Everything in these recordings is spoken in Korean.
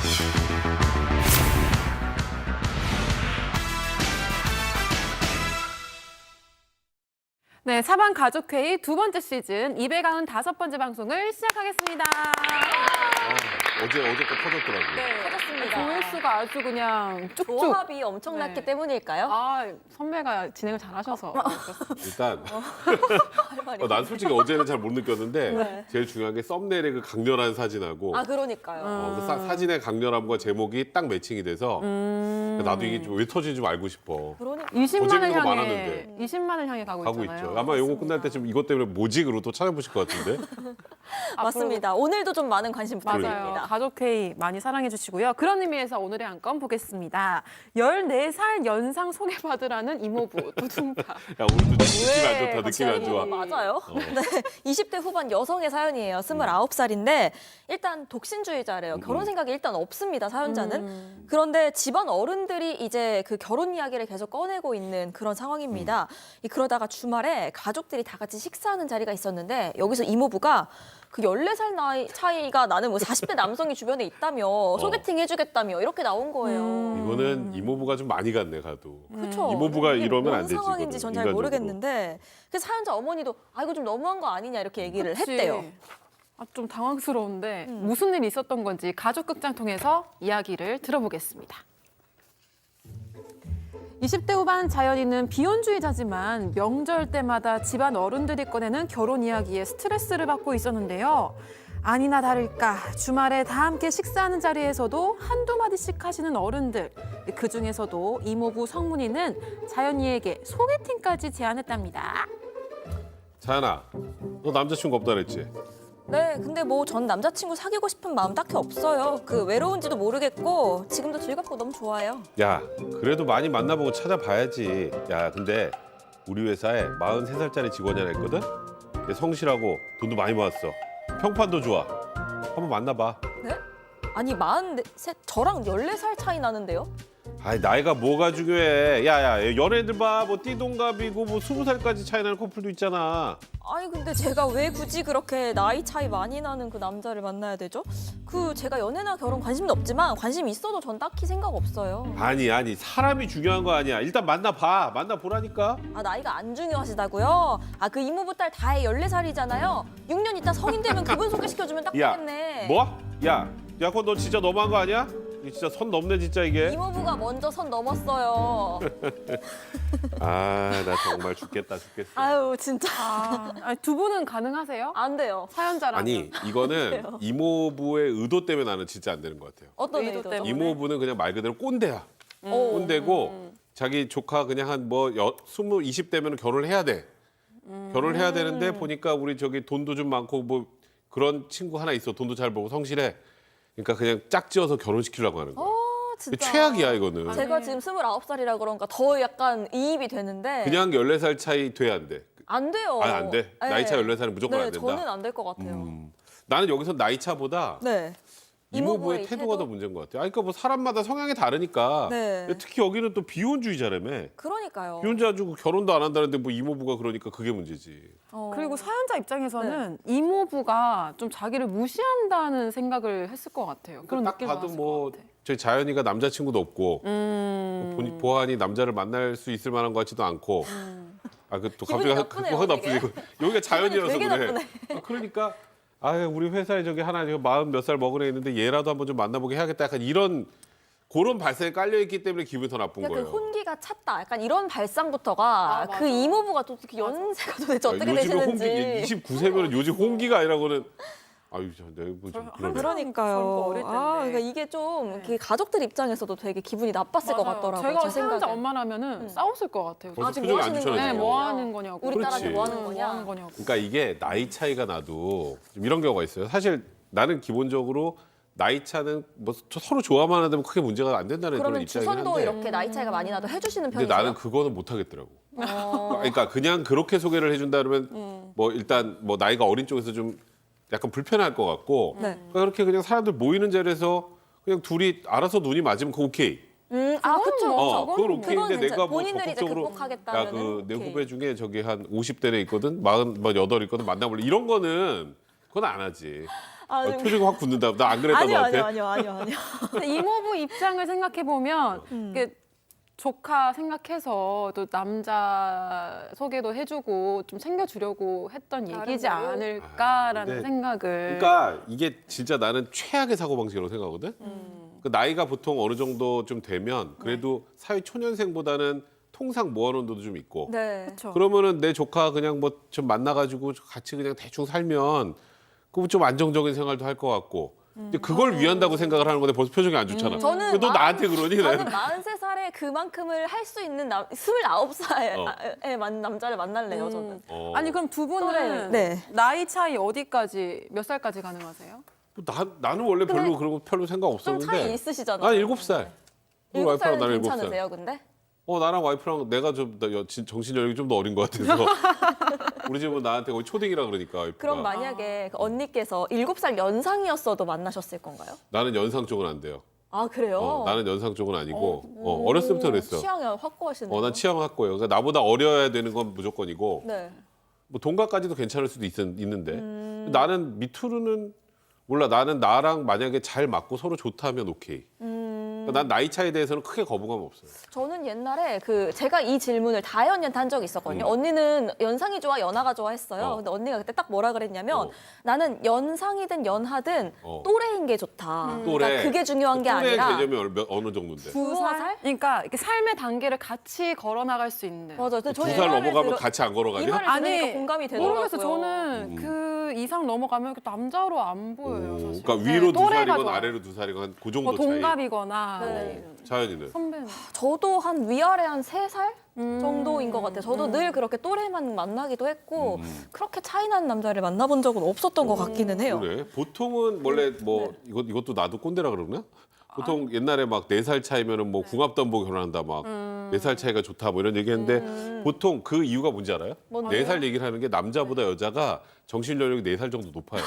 네, 사방 가족회의 두 번째 시즌 295번째 방송을 시작하겠습니다. 어제 거 터졌더라고요. 네, 터졌습니다. 조회수가 아주 그냥 쭉쭉. 조합이 엄청났기 네. 때문일까요? 아, 선배가 진행을 잘하셔서. 일단 할 말이 난 솔직히 어제는 잘 못 느꼈는데 네. 제일 중요한 게 썸네일의 그 강렬한 사진하고 아, 그러니까요. 그 사진의 강렬함과 제목이 딱 매칭이 돼서 나도 이게 왜 터지는지 좀 알고 싶어. 그러니까 20만을 재밌는 거 향해 많았는데. 20만을 향해 가고 가고 있잖아요. 있죠. 아마 요거 끝날 때쯤 이것 때문에 모직으로 또 찾아보실 것 같은데. 맞습니다. 오늘도 좀 많은 관심 맞아요. 부탁드립니다. 가족회의 많이 사랑해 주시고요. 그런 의미에서 오늘의 한 건 보겠습니다. 14살 연상 소개받으라는 이모부 두둥파. 야 오늘도 느낌이 안 좋다. 느낌이 안 좋아. 맞아요. 네, 20대 후반 여성의 사연이에요. 29살인데 일단 독신주의자래요. 결혼 생각이 일단 없습니다, 사연자는. 그런데 집안 어른들이 이제 그 결혼 이야기를 계속 꺼내고 있는 그런 상황입니다. 그러다가 주말에 가족들이 다 같이 식사하는 자리가 있었는데 여기서 이모부가 그 14살 나이 차이가 나는 뭐 40대 남성이 주변에 있다며 소개팅 해주겠다며 이렇게 나온 거예요. 이거는 이모부가 좀 많이 갔네 가도. 그렇죠. 이모부가 이게 이러면 뭔 안 되지, 상황인지 이거는, 전 잘 인간적으로. 모르겠는데 그 사연자 어머니도 아 이거 좀 너무한 거 아니냐 이렇게 얘기를 그치. 했대요. 아, 좀 당황스러운데 무슨 일이 있었던 건지 가족극장 통해서 이야기를 들어보겠습니다. 20대 후반 자연이는 비혼주의자지만 명절 때마다 집안 어른들이 꺼내는 결혼 이야기에 스트레스를 받고 있었는데요. 아니나 다를까 주말에 다 함께 식사하는 자리에서도 한두 마디씩 하시는 어른들. 그중에서도 이모부 성문이는 자연이에게 소개팅까지 제안했답니다. 자연아, 너 남자친구 없다 그랬지? 네, 근데 뭐 전 남자친구 사귀고 싶은 마음 딱히 없어요. 그 외로운지도 모르겠고 지금도 즐겁고 너무 좋아요. 야, 그래도 많이 만나보고 찾아봐야지. 야, 근데 우리 회사에 43살짜리 직원이 하나 있거든? 얘 성실하고 돈도 많이 모았어. 평판도 좋아. 한번 만나봐. 네? 아니 43, 저랑 14살 차이 나는데요? 아이, 나이가 뭐가 중요해. 야, 연애들 봐. 뭐 띠동갑이고 뭐 20살까지 차이 나는 커플도 있잖아. 아니 근데 제가 왜 굳이 그렇게 나이 차이 많이 나는 그 남자를 만나야 되죠? 그 제가 연애나 결혼 관심도 없지만 관심 있어도 전 딱히 생각 없어요. 아니, 사람이 중요한 거 아니야. 일단 만나봐. 만나보라니까. 아 나이가 안 중요하시다고요? 아 그 이모부 딸 다혜 14살이잖아요. 6년 있다 성인 되면 그분 소개시켜주면 딱 야, 되겠네. 뭐? 야, 그건 너 진짜 너무한 거 아니야? 이거 진짜 선 넘네 진짜 이게. 이모부가 먼저 선 넘었어요. 아, 나 정말 죽겠다. 아유 진짜 아니, 두 분은 가능하세요? 안 돼요. 사연자라면. 아니, 이거는 이모부의 의도 때문에 나는 진짜 안 되는 것 같아요. 어떤 의도 의도죠? 때문에? 이모부는 그냥 말 그대로 꼰대야. 오. 꼰대고 자기 조카 그냥 한 뭐 20, 20대면 결혼을 해야 돼. 결혼을 해야 되는데 보니까 우리 저기 돈도 좀 많고 뭐 그런 친구 하나 있어. 돈도 잘 벌고 성실해. 그러니까 그냥 짝지어서 결혼시키려고 하는 거야. 진짜. 최악이야 이거는. 제가 지금 29살이라 그런가 더 약간 이입이 되는데 그냥 14살 차이 돼 안 돼? 안 돼요. 아니, 안 돼? 나이 차 14살은 무조건 네, 안 된다? 저는 안 될 것 같아요. 나는 여기서 나이 차보다 네. 이모부의 이모부의 태도가 태도? 더 문제인 것 같아요. 아니, 그러니까 뭐 사람마다 성향이 다르니까. 네. 근데 특히 여기는 또 비혼주의자라며. 그러니까요. 비혼자 가지고 결혼도 안 한다는데 뭐 이모부가 그러니까 그게 문제지. 그리고 사연자 입장에서는 이모부가 좀 자기를 무시한다는 생각을 했을 것 같아요. 그런 딱 느낌을 봐도 받았을 뭐 것 같아. 저희 자연이가 남자친구도 없고 보안이 남자를 만날 수 있을 만한 것 같지도 않고 아 그 또 기분이 갑자기 나쁘네요, 확 되게. 나쁘지. 여기가 자연이라서 되게 그래. 나쁘네. 그러니까 아 우리 회사에 저기 하나 지금 40 몇 살 먹은 애 있는데 얘라도 한번 좀 만나보게 해야겠다. 약간 이런 그런 발상이 깔려 있기 때문에 기분이 더 나쁜 그러니까 그 거예요. 혼기가 찼다. 약간 이런 발상부터가 맞아. 그 이모부가 또 특히 연세가 도대체 어떻게 요즘에 홍기 되시는지. 29세면 요즘 홍기가 아니라고는 아유 내가 뭐좀 그러네. 그러니까요. 젊고 어릴 텐데. 그러니까 이게 좀 이렇게 가족들 입장에서도 되게 기분이 나빴을 것 맞아요. 같더라고요. 제가 제 사연자 생각에. 엄마라면 싸웠을 것 같아요. 벌써 지금 표정이 뭐 안 하시는 좋잖아요. 네, 거예요? 뭐 하는 거냐고. 우리 딸한테 뭐 하는 뭐 거냐? 하는 거냐고. 그러니까 이게 나이 차이가 나도 좀 이런 경우가 있어요. 사실 나는 기본적으로 나이 차는 뭐 서로 좋아만 하면 크게 문제가 안 된다는 그런 그러면 입장이긴 주선도 한데 이렇게 나이 차이가 많이 나도 해주시는 근데 편이세요? 나는 그거는 못 하겠더라고. 어. 그러니까 그냥 그렇게 소개를 해준다 그러면 뭐 일단 뭐 나이가 어린 쪽에서 좀 약간 불편할 것 같고 네. 그러니까 그렇게 그냥 사람들 모이는 자리에서 그냥 둘이 알아서 눈이 맞으면 그거 오케이. 아, 그쵸. 뭐, 그건 오케이인데 그건 내가 뭐 본인들이 이제 적극적으로 극복하겠다면은 야 그 내 오케이. 후배 중에 저기 한 50대 애 있거든 48 있거든 만나볼래 이런 거는 그건 안 하지. 표정이 확 굳는다. 나 안 그랬던 것 같아. 아니요. 근데 이모부 입장을 생각해 보면 조카 생각해서 또 남자 소개도 해주고 좀 챙겨주려고 했던 얘기지 나름대로? 않을까라는 근데 생각을. 그러니까 이게 진짜 나는 최악의 사고방식이라고 생각하거든. 그 나이가 보통 어느 정도 좀 되면 그래도 사회 초년생보다는 통상 모아놓은 돈도 좀 있고. 네. 그렇죠. 그러면은 내 조카 그냥 뭐 좀 만나가지고 같이 그냥 대충 살면 그거 좀 안정적인 생활도 할 것 같고. 근데 그걸 위한다고 생각을 하는 건데 벌써 표정이 안 좋잖아. 저는 너 나한테 그러니? 저는 43살에 그만큼을 할 수 있는 29살에 남자를 만날래요, 저는. 아니 그럼 두 분은 또래를. 네. 나이 차이 어디까지 몇 살까지 가능하세요? 나는 원래 별로 그런 거 별로 생각 좀 없었는데. 차이 있으시잖아요. 난 7살. 우리 와이프랑 7살은 나는 7살. 괜찮으세요, 근데? 나랑 와이프랑 내가 좀 정신 연령이 좀 더 어린 것 같아서 우리 집은 나한테 거의 초딩이라 그러니까 와이프가. 그럼 만약에 그 언니께서 7살 연상이었어도 만나셨을 건가요? 나는 연상 쪽은 안 돼요. 아, 그래요? 나는 연상 쪽은 아니고 어렸을 때부터 그랬어. 취향이 확고하시네요. 난 취향 확고해요. 그러니까 나보다 어려야 되는 건 무조건이고 네. 뭐 동갑까지도 괜찮을 수도 있는데 나는 밑으로는 몰라. 나는 나랑 만약에 잘 맞고 서로 좋다면 오케이. 그러니까 난 나이 차이에 대해서는 크게 거부감 없어요. 저는 옛날에 제가 이 질문을 다혜 언니한테 한 적이 있었거든요. 언니는 연상이 좋아, 연하가 좋아 했어요. 근데 언니가 그때 딱 뭐라 그랬냐면 나는 연상이든 연하든 또래인 게 좋다. 또래. 그러니까 그게 중요한 게 또래 아니라 개념이 어느 정도인데? 2살? 그러니까 이렇게 삶의 단계를 같이 걸어나갈 수 있는. 맞아요. 근데 저는 2살 넘어가면 같이 안 이 걸어가냐? 말을 들으니까 공감이 되더라고요. 모르겠어. 저는 그 이상 넘어가면 이렇게 남자로 안 보여요. 사실. 그러니까 위로 두 또래가 살이건 좋아요. 아래로 두 살이건 한 그 뭐 정도 차이. 동갑이거나 네. 자연이는. 선배는. 저도 한 위아래 한 3살 정도인 것 같아요. 저도 늘 그렇게 또래만 만나기도 했고 그렇게 차이 나는 남자를 만나본 적은 없었던 것 같기는 해요. 그래. 보통은 원래 뭐 이것도 나도 꼰대라 그러나? 보통 옛날에 막 4살 차이면은 뭐 궁합담보 결혼한다 막 4살 차이가 좋다 뭐 이런 얘기했는데 보통 그 이유가 뭔지 알아요? 뭔데요? 4살 얘기를 하는 게 남자보다 여자가 정신 연령이 4살 정도 높아요.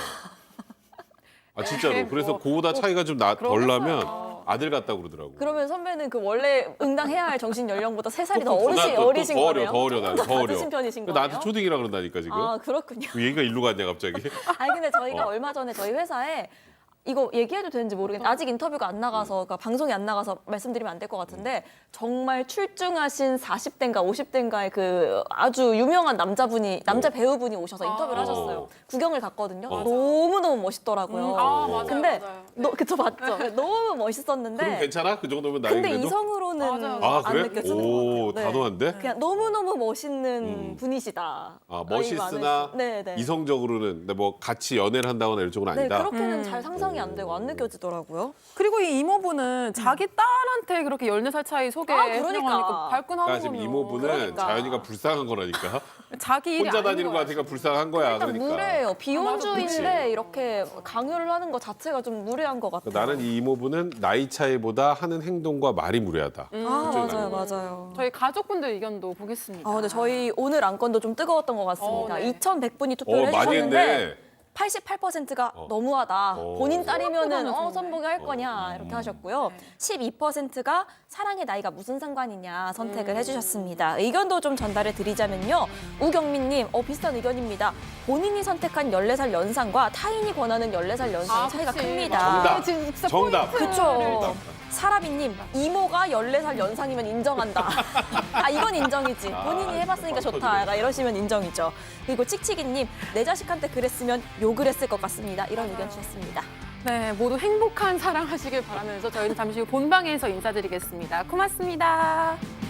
아 진짜로. 그래서 그보다 차이가 좀 덜 나면 아들 같다고 그러더라고. 그러면 선배는 그 원래 응당해야 할 정신 연령보다 3살이 더 더 어리신 거네요? 더 어려 나는 더 어려. 낮으신 편이신 그러니까 거네요? 나한테 초딩이라 그런다니까 지금. 아, 그렇군요. 그 얘기가 일로 갔냐 갑자기. 아니 근데 저희가 얼마 전에 저희 회사에 이거 얘기해도 되는지 모르겠는데 아직 인터뷰가 안 나가서 그러니까 방송이 안 나가서 말씀드리면 안 될 것 같은데 정말 출중하신 40대인가 50대인가의 그 아주 유명한 남자 배우분이 오셔서 인터뷰를 하셨어요. 구경을 갔거든요. 너무너무 멋있더라고요. 맞아요. 근데 맞아요. 그쵸 맞죠? 너무 멋있었는데 그럼 괜찮아? 그 정도면 나이 근데 그래도? 이성으로는 맞아요. 아 안 그래? 느껴지는 것 오 같아요. 네. 단호한데? 그냥 너무너무 멋있는 분이시다. 멋있으나 네네. 이성적으로는 근데 뭐 같이 연애를 한다거나 이런 쪽은 네, 아니다. 그렇게는 잘 상상이 안 되고 안 느껴지더라고요. 그리고 이 이모부는 자기 딸한테 그렇게 14살 차이 소개하니까 그러니까. 발끈하는 그러니까 지금 거면. 이모부는 그러니까. 자연이가 불쌍한 거라니까. 자기 일이 혼자 아닌 다니는 거 거야. 같으니까 불쌍한 거야. 일단 그러니까. 무례해요. 비혼주의인데 맞아. 이렇게 강요를 하는 것 자체가 좀 무례한 것 같아요. 나는 이 이모부는 나이 차이보다 하는 행동과 말이 무례하다. 아, 그쪽이 맞아요, 나는 맞아요. 저희 가족분들 의견도 보겠습니다. 근데 저희 오늘 안건도 좀 뜨거웠던 것 같습니다. 네. 2,100분이 투표를 많이 해주셨는데 했네. 88%가 너무하다. 본인 딸이면은 생각보다는 선보게 할 거냐 이렇게 하셨고요. 12%가 사랑의 나이가 무슨 상관이냐 선택을 해주셨습니다. 의견도 좀 전달해 드리자면요. 우경민님, 비슷한 의견입니다. 본인이 선택한 14살 연상과 타인이 권하는 14살 연상의 차이가 그치. 큽니다. 정답. 정답. 그쵸. 사라비님, 이모가 14살 연상이면 인정한다. 이건 인정이지. 본인이 해봤으니까 좋다. 약간 이러시면 인정이죠. 그리고 칙칙이님, 내 자식한테 그랬으면 욕을 했을 것 같습니다. 이런 의견 주셨습니다. 네, 모두 행복한 사랑하시길 바라면서 저희는 잠시 후 본방에서 인사드리겠습니다. 고맙습니다.